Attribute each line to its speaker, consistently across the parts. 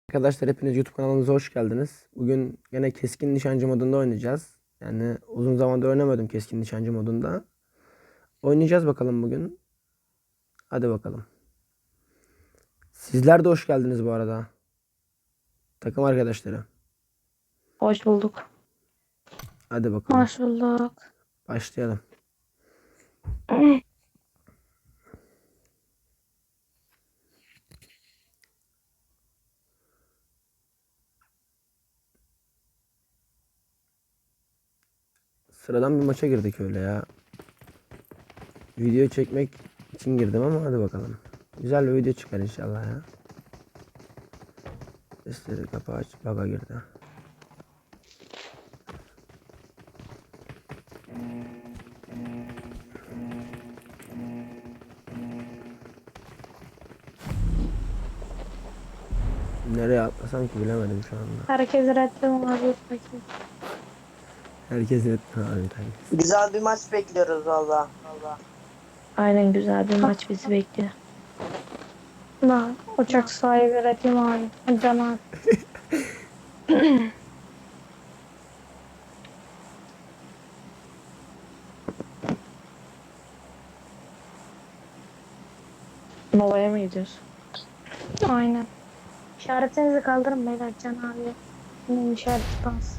Speaker 1: Arkadaşlar hepiniz YouTube kanalımıza hoş geldiniz. Bugün yine keskin nişancı modunda oynayacağız. Yani uzun zamandır oynamadım keskin nişancı modunda. Oynayacağız bakalım bugün. Hadi bakalım. Sizler de hoş geldiniz bu arada. Takım arkadaşları.
Speaker 2: Hoş bulduk.
Speaker 1: Hadi bakalım.
Speaker 2: Hoş bulduk.
Speaker 1: Başlayalım. Sıradan bir maça girdik öyle ya. Video çekmek için girdim ama hadi bakalım. Güzel bir video çıkar inşallah ya. Sesleri kapağı aç. Baga girdi. Nereye atlasam ki bilemedim şu anda.
Speaker 2: Herkes reddim abi bakayım.
Speaker 1: Herkes abi herkes.
Speaker 3: Güzel bir maç bekliyoruz valla.
Speaker 2: Aynen güzel bir maç bizi bekliyor. Ben uçak sahibi reddim abi. Can abi. Nova'ya mı gidiyoruz? Aynen. İşaretinizi kaldırın beyler Can abi. Benim işaret bas.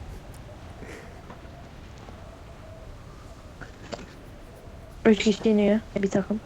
Speaker 2: Üç kişi iniyor bir takım.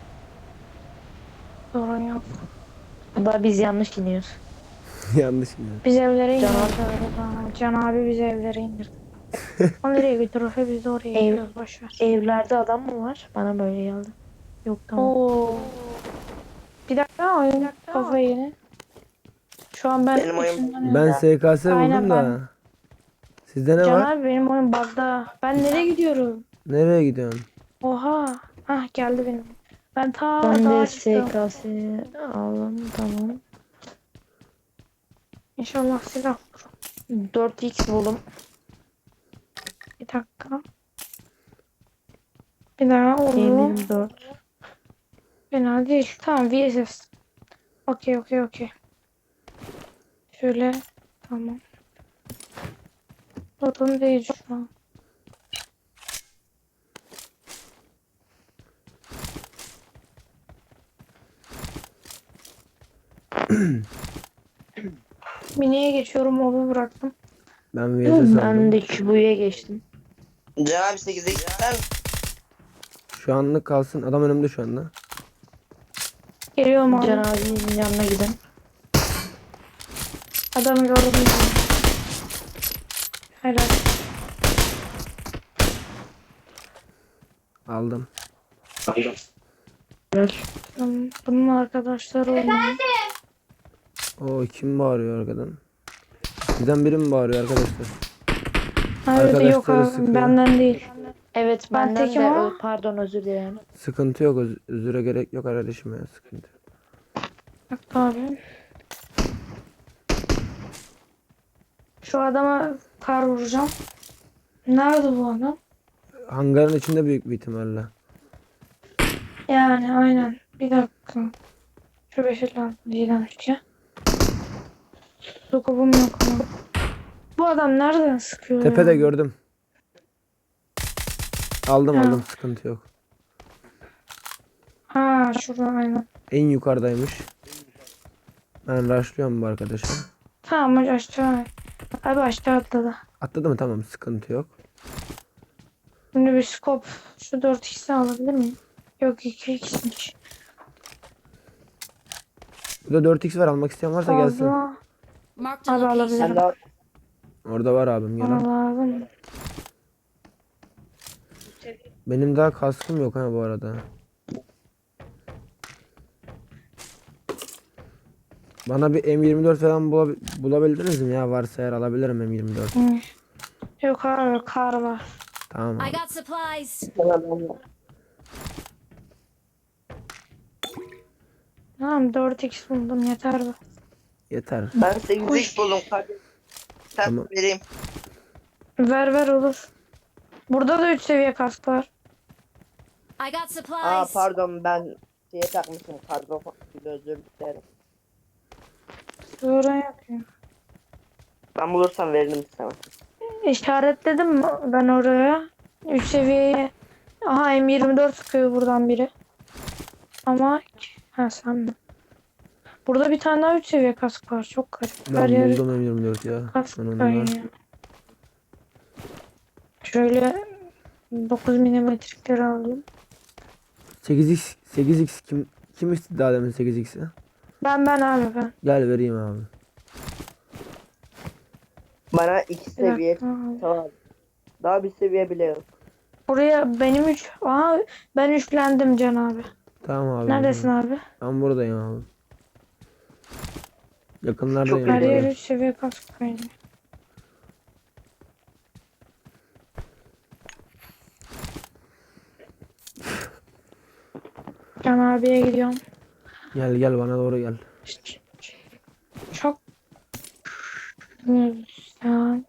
Speaker 2: Sorun yok. Da biz yanlış iniyoruz.
Speaker 1: Yanlış mı?
Speaker 2: Biz evlere indirdi arada. Can abi bizi evlere indirdi. O nereye götürürse biz de oraya gidiyoruz boşver. Evlerde adam mı var? Bana böyle geldi. Yok tamam. Oo. Bir dakika oyun kafayı yine. Şu an ben
Speaker 3: Benim oyun-
Speaker 2: içinden
Speaker 1: Ben SKS
Speaker 2: Aynen,
Speaker 1: buldum da. Sizde ne
Speaker 2: Can
Speaker 1: var?
Speaker 2: abi benim oyun bug'da. Ben nereye gidiyorum?
Speaker 1: Nereye gidiyorsun?
Speaker 2: Oha. Hah geldi benim. Ben daha çıktım. SKS'yi aldım tamam. İnşallah silah bulurum. 4x buldum. Bir dakika. Bir daha olur. 4. Fena değil. Tamam VSS. Okey. Şöyle. Tamam. Sorun değil şu an. Mini'ye geçiyorum. Mobu bıraktım.
Speaker 1: Ben VS
Speaker 2: Ben
Speaker 1: aldım.
Speaker 2: de Kübu'ya geçtim.
Speaker 3: Can abi 8'e gider.
Speaker 1: Şu anlık kalsın. Adam önümde şu anda.
Speaker 2: Geliyorum abi. Can abinin yanına gidelim. Adamı gördüm. Helal.
Speaker 1: Aldım.
Speaker 2: Helal. Bunun arkadaşları oynuyor.
Speaker 1: O kim bağırıyor arkadan? Sizden biri mi bağırıyor arkadaşlar?
Speaker 2: Evet yok
Speaker 1: Arkadaşları
Speaker 2: abi
Speaker 1: sıkıyor.
Speaker 2: benden değil.
Speaker 4: Evet
Speaker 2: Ben
Speaker 4: benden
Speaker 2: tekim
Speaker 4: de
Speaker 2: ama.
Speaker 4: pardon özür dilerim.
Speaker 1: Sıkıntı yok. Özüre gerek yok kardeşim ya. Sıkıntı yok.
Speaker 2: Bak abi. Şu adama kar vuracağım. Nerede bu adam?
Speaker 1: Hangarın içinde büyük bir ihtimalle.
Speaker 2: Yani aynen. Bir dakika. Şu beşil lazım diyeceğim ki. Sokobum yok ama. Bu adam nereden sıkıyor
Speaker 1: Tepede
Speaker 2: ya?
Speaker 1: gördüm. Aldım
Speaker 2: Ha.
Speaker 1: aldım. Sıkıntı yok.
Speaker 2: Ha şurada aynen.
Speaker 1: En yukarıdaymış. Ben rushlıyorum bu arkadaşa.
Speaker 2: Tamam hadi aşağı. Abi aşağı atladı.
Speaker 1: Atladı mı? Tamam. Sıkıntı yok.
Speaker 2: Şimdi bir scope. Şu 4x'i alabilir miyim? Yok 2x'miş.
Speaker 1: Burada 4x var. Almak isteyen varsa gelsin.
Speaker 2: Fazla.
Speaker 5: Marked a
Speaker 2: Abi
Speaker 5: location.
Speaker 3: Sen
Speaker 2: alabilirim.
Speaker 3: de
Speaker 1: Orada var abim. Gel
Speaker 2: Bana
Speaker 1: al.
Speaker 2: lazım.
Speaker 1: Benim daha kaskım yok ha bu arada. Bana bir M24 falan bulabildiniz mi ya? Varsa eğer alabilirim M24.
Speaker 2: Hı. Yok abi kar var.
Speaker 1: Tamam
Speaker 5: I
Speaker 1: abi.
Speaker 5: got supplies.
Speaker 2: Tamam 4x buldum yeter be.
Speaker 1: Yeter.
Speaker 3: ben 8'e buldum kardeşim. Sen
Speaker 1: Tamam.
Speaker 3: vereyim.
Speaker 2: Ver olur. Burada da 3 seviye kask var.
Speaker 5: I got supplies.
Speaker 3: Pardon ben şeye takmışım pardon. Özür dilerim.
Speaker 2: Sonra yapayım.
Speaker 3: Ben bulursam veririm sana.
Speaker 2: İşaretledim mi ben oraya? 3 seviyeye. Aha M24 sıkıyor buradan biri. Ama ha sen mi? Burada bir tane daha 3 seviye kask var. Çok garip. Her
Speaker 1: Ben
Speaker 2: yer
Speaker 1: buldum M24 ya.
Speaker 2: kask
Speaker 1: Ben onu
Speaker 2: kaynıyor. Şöyle 9 milimetrelikleri alayım.
Speaker 1: 8x kim istedi daha demin 8x'i?
Speaker 2: Ben abi ben.
Speaker 1: Gel vereyim abi.
Speaker 3: Bana 2
Speaker 2: Bir
Speaker 3: seviye
Speaker 2: dakika abi.
Speaker 3: tamam. Daha bir seviye bile yok.
Speaker 2: Buraya benim 3. Aha ben üçlendim Can abi.
Speaker 1: Tamam abi.
Speaker 2: Neredesin abi?
Speaker 1: Ben buradayım abi. Yakınlardayım.
Speaker 3: Çok
Speaker 2: Her yer
Speaker 1: buradayım.
Speaker 2: 3 seviye kask kaynıyor. Can abiye gidiyorum.
Speaker 1: Gel bana doğru gel.
Speaker 2: Çok güzel.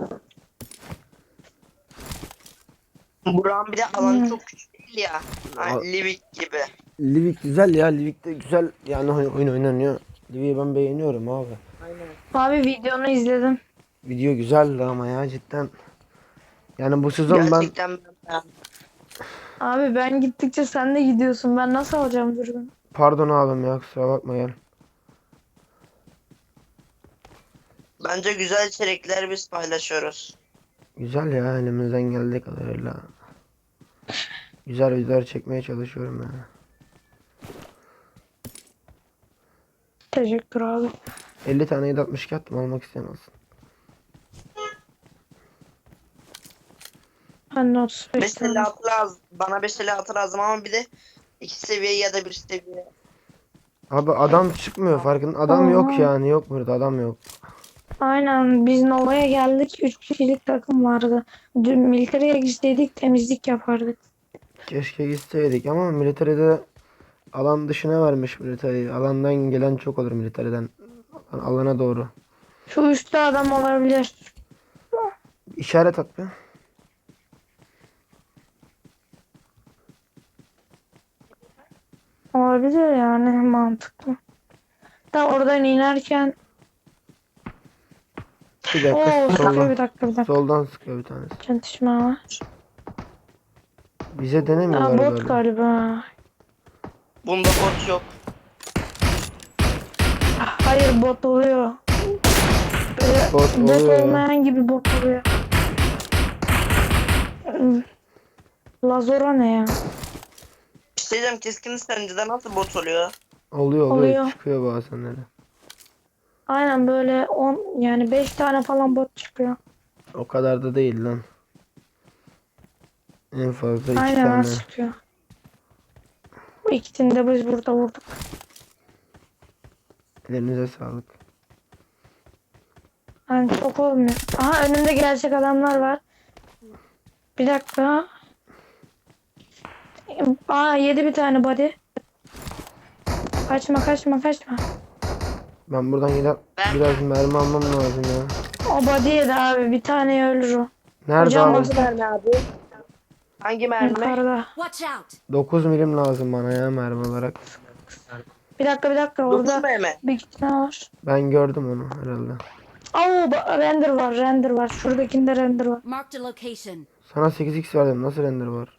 Speaker 3: Buranın bir de alanı
Speaker 2: Hmm.
Speaker 3: çok küçük değil ya. Hani
Speaker 1: Al-
Speaker 3: Livik gibi.
Speaker 1: Livik güzel ya. Livik'te güzel yani oyun oynanıyor. Livik'i ben beğeniyorum abi.
Speaker 3: Aynen.
Speaker 2: Abi videonu izledim.
Speaker 1: Video güzeldi ama ya cidden. Yani bu sezon ben
Speaker 3: Gerçekten ben
Speaker 2: Abi ben gittikçe sen de gidiyorsun. Ben nasıl alacağım dürbün?
Speaker 1: pardon abim ya kusura bakma gel.
Speaker 3: bence güzel içerikler biz paylaşıyoruz.
Speaker 1: Güzel ya elimizden geldiği kadarıyla. Güzel videolar çekmeye çalışıyorum yani.
Speaker 2: Teşekkür abi.
Speaker 1: 50 tane 762 attım almak isteyen olsun.
Speaker 2: Ben de 35 tane.
Speaker 3: Mesela lazım. Bana mesela lazım ama bir de 2 seviye ya da 1 seviye.
Speaker 1: Abi adam çıkmıyor farkın. Adam yok
Speaker 2: Aha.
Speaker 1: yani yok burada adam yok.
Speaker 2: Aynen biz Nova'ya geldik. 3 kişilik takım vardı. Dün militereye gitseydik temizlik yapardık.
Speaker 1: Keşke gitseydik ama militeride alan dışına vermiş militeri. Alandan gelen çok olur militeriden. Alana doğru.
Speaker 2: Şu üstte adam olabilir.
Speaker 1: İşaret at be.
Speaker 2: Olabilir yani mantıklı. Da oradan inerken
Speaker 1: Bir dakika
Speaker 2: Oo sıkıyor
Speaker 1: soldan.
Speaker 2: bir dakika.
Speaker 1: Soldan sıkıyor bir tanesi.
Speaker 2: Çatışma var.
Speaker 1: Bize denemiyorlar
Speaker 2: Aa, bot
Speaker 1: galiba.
Speaker 2: galiba.
Speaker 3: Bunda bot yok.
Speaker 2: Hayır bot oluyor. Böyle
Speaker 1: Bot
Speaker 2: bot
Speaker 1: oluyor ya.
Speaker 2: olmayan gibi bot oluyor. Lazora ne ya?
Speaker 3: Bir şey diyeceğim, keskin nişancıda nasıl bot oluyor?
Speaker 1: Oluyor
Speaker 2: Oluyor.
Speaker 1: çıkıyor bazenleri.
Speaker 2: Aynen böyle 10 yani 5 tane falan bot çıkıyor.
Speaker 1: O kadar da değil lan. En fazla 2
Speaker 2: Aynen
Speaker 1: tane.
Speaker 2: çıkıyor. Bu ikisini de biz burada vurduk.
Speaker 1: Ellerinize sağlık.
Speaker 2: Yani çok olmuyor. Aha önümde gerçek adamlar var. Bir dakika. Aa yedi bir tane body. Kaçma.
Speaker 1: Ben buradan gider biraz mermi almam lazım ya.
Speaker 2: O body yedi abi. Bir tane ölür o.
Speaker 1: Nerede
Speaker 2: Hocam
Speaker 1: abi?
Speaker 2: nasıl
Speaker 3: mermi abi? Hangi mermi?
Speaker 2: Yukarıda.
Speaker 5: Watch out!
Speaker 1: 9 milim lazım bana ya mermi olarak.
Speaker 2: Bir dakika. Orada
Speaker 3: Dokuz mermi.
Speaker 2: bir iki tane var.
Speaker 1: Ben gördüm onu herhalde.
Speaker 2: Render var. Şuradakinde render var.
Speaker 5: Marked a location.
Speaker 1: Sana 8x verdim. Nasıl render var?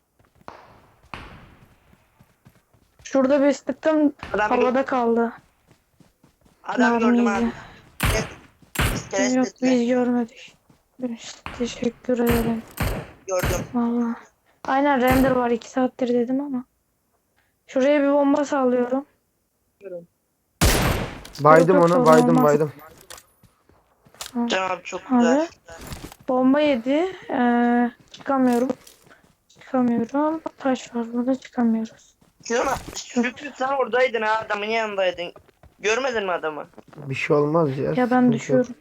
Speaker 2: Şurada bir sıktım.
Speaker 3: Adam,
Speaker 2: Havada kaldı.
Speaker 3: adam gördüm
Speaker 2: Mermiyi.
Speaker 3: abi. İskelet
Speaker 2: Yok
Speaker 3: sesle
Speaker 2: biz görmedik. Teşekkür ederim.
Speaker 3: gördüm.
Speaker 2: Vallahi. Aynen render var 2 saattir dedim ama. Şuraya bir bomba sallıyorum.
Speaker 1: Baydım
Speaker 2: yok,
Speaker 1: onu.
Speaker 2: sorun
Speaker 1: Baydım
Speaker 2: olmaz.
Speaker 1: baydım.
Speaker 3: Can abi çok
Speaker 2: Abi.
Speaker 3: güzel.
Speaker 2: Bomba yedi. Çıkamıyorum. Taş var burada çıkamıyoruz.
Speaker 3: Şükrü sen oradaydın ha, adamın yanındaydın. Görmedin mi adamı?
Speaker 1: Bir şey olmaz ya.
Speaker 2: Ya
Speaker 1: sıkıntı
Speaker 2: ben
Speaker 1: yok.
Speaker 2: düşüyorum.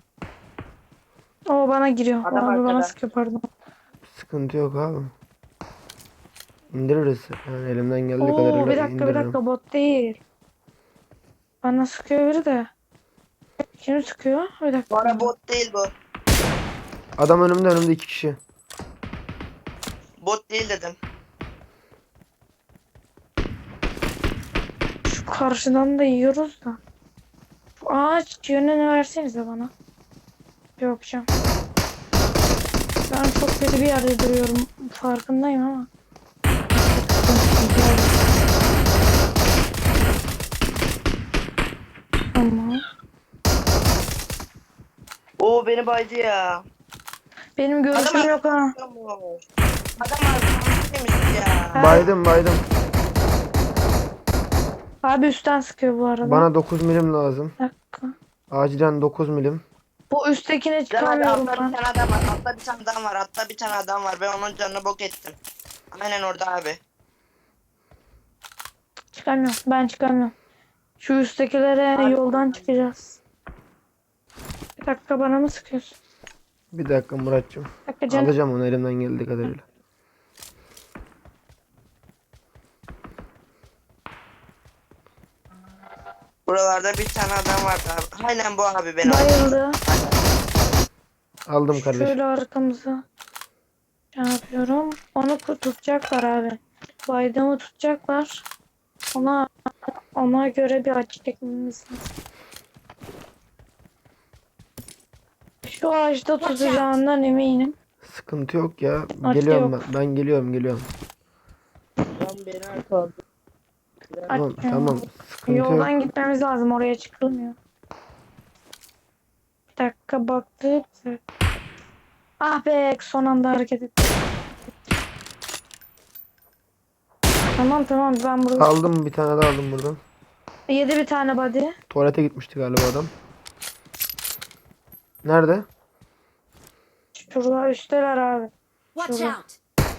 Speaker 2: O bana giriyor.
Speaker 3: Adam
Speaker 2: Abi bana
Speaker 3: arkada.
Speaker 2: sıkıyor pardon.
Speaker 1: Sıkıntı yok abi. İndiririz. Yani elimden geldiği
Speaker 2: Oo
Speaker 1: kadarıyla
Speaker 2: bir
Speaker 1: indiririm.
Speaker 2: dakika bot değil. Bana sıkıyor biri de. Kim sıkıyor? Bir dakika.
Speaker 3: Bana bot değil bu.
Speaker 1: Adam önümde 2 kişi.
Speaker 3: Bot değil dedim.
Speaker 2: Şu karşıdan da yiyoruz da. Ağaç yönünü versenize bana. Yapacağım. Ben çok kötü bir yerde duruyorum. Farkındayım ama. Tamam.
Speaker 3: Oo beni baydı ya.
Speaker 2: Benim görüşüm
Speaker 3: Adam-
Speaker 2: yok ha.
Speaker 3: Adam arkadaşıymış ya.
Speaker 1: Baydım baydım.
Speaker 2: Abi üstten sıkıyor bu arada.
Speaker 1: Bana 9 milim lazım.
Speaker 2: Bir dakika.
Speaker 1: Acilen 9 milim.
Speaker 2: Bu üsttekine
Speaker 3: Can abi
Speaker 2: çıkamıyorum
Speaker 3: altta
Speaker 2: ben.
Speaker 3: bir tane adam var. Altta bir tane adam var. Altta bir tane adam var. Ben onun canını bok ettim. Aynen orada abi.
Speaker 2: Çıkamıyorum. Ben çıkamıyorum. Şu üsttekilere
Speaker 3: Abi-
Speaker 2: yoldan çıkacağız. Bir dakika bana mı sıkıyorsun?
Speaker 1: Bir dakika Muratcığım.
Speaker 2: Bir dakika canım.
Speaker 1: Alacağım onu elimden geldiği kadarıyla.
Speaker 3: Buralarda bir tane adam vardı abi. Aynen bu abi benim.
Speaker 2: Bayıldı.
Speaker 1: Aldım kardeşim.
Speaker 2: Şöyle arkamıza şey yapıyorum. Onu tutacaklar abi. Baydamı tutacaklar. Ona göre bir açı çekmemiz lazım. Şu ağaçta tutacağından eminim.
Speaker 1: Sıkıntı yok ya.
Speaker 2: Açtı
Speaker 1: Geliyorum
Speaker 2: yok.
Speaker 1: ben. Ben geliyorum.
Speaker 3: Lan beni arkaladı.
Speaker 1: Tamam
Speaker 2: Açıyorum.
Speaker 1: tamam. Sıkıntı yok.
Speaker 2: Yoldan gitmemiz lazım. Oraya çıkılmıyor. Bir dakika baktık. Ah be son anda hareket ettim. Tamam ben burada.
Speaker 1: Aldım bir tane daha aldım buradan.
Speaker 2: Yedi bir tane body.
Speaker 1: Tuvalete gitmişti galiba adam. Nerede?
Speaker 2: Şurada üstteler abi.
Speaker 5: Watch
Speaker 2: Şurada.
Speaker 5: out!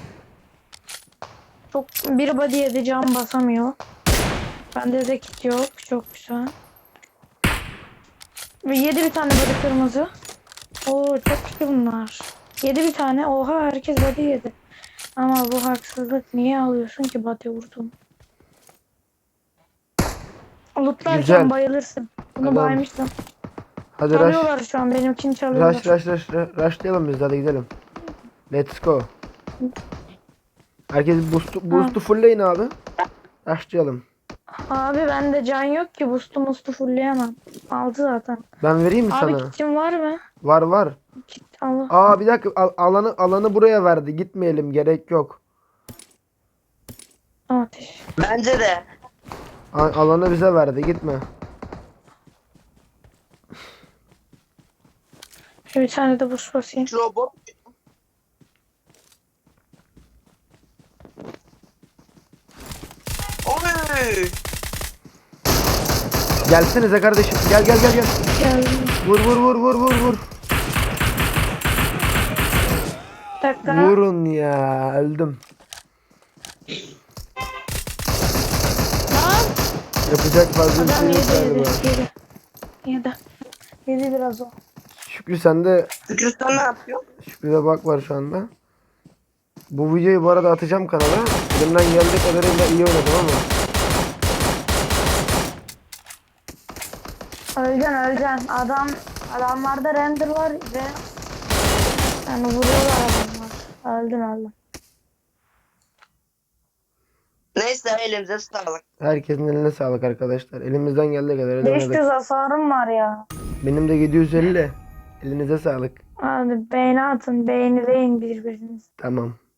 Speaker 2: Çok bir body yedi can basamıyor. Bende de kit yok. Çok güzel. Ve yedi bir tane body kırmızı. Oo çok kötü bunlar. Yedi bir tane. Oha herkes body yedi. Ama bu haksızlık. Niye alıyorsun ki body vurdun? Lootlarken
Speaker 1: Güzel.
Speaker 2: bayılırsın. Bunu
Speaker 1: Tamam.
Speaker 2: baymıştım.
Speaker 1: Hadi rush.
Speaker 2: Çalıyorlar şu an. Benimkini çalıyorlar.
Speaker 1: Rushlayalım biz hadi gidelim. Let's go. Herkes boost'u fullleyin abi. Rushlayalım.
Speaker 2: Abi bende can yok ki. Boost'u fullleyemem. Aldı zaten.
Speaker 1: Ben vereyim mi
Speaker 2: Abi
Speaker 1: sana?
Speaker 2: kitim var mı?
Speaker 1: Var.
Speaker 2: Kit al.
Speaker 1: Aa bir dakika alanı buraya verdi. Gitmeyelim gerek yok.
Speaker 2: Ateş.
Speaker 3: Bence de.
Speaker 1: Alanı bize verdi gitme.
Speaker 2: Şöyle bir tane de boost basayım.
Speaker 3: Şu robot. Oy.
Speaker 1: Gelsenize kardeşim. Gel.
Speaker 2: Geldim.
Speaker 1: Vur.
Speaker 2: Bir dakika.
Speaker 1: Vurun ya öldüm.
Speaker 2: Lan.
Speaker 1: Yapacak fazla bir
Speaker 2: Adam
Speaker 1: şey yok
Speaker 2: yedi.
Speaker 1: galiba.
Speaker 2: Yedi biraz o.
Speaker 1: Şükrü sende
Speaker 3: Şükrü sen ne yapıyorsun?
Speaker 1: Şükrü'de bak var şu anda. Bu videoyu bu arada atacağım kanala. Elimden geldiği kadarıyla iyi oynadım ama.
Speaker 2: Öleceksin. Adamlarda render var ve yani vuruyorlar adamlar. Öldün.
Speaker 3: Neyse elimize sağlık.
Speaker 1: Herkesin eline sağlık arkadaşlar. Elimizden geldiği kadarıyla
Speaker 2: 500
Speaker 1: oynadık.
Speaker 2: hasarım var ya.
Speaker 1: Benim de 750. Elinize sağlık.
Speaker 2: Hadi beğeni atın. Beğenileyin birbirinizi.
Speaker 1: Tamam.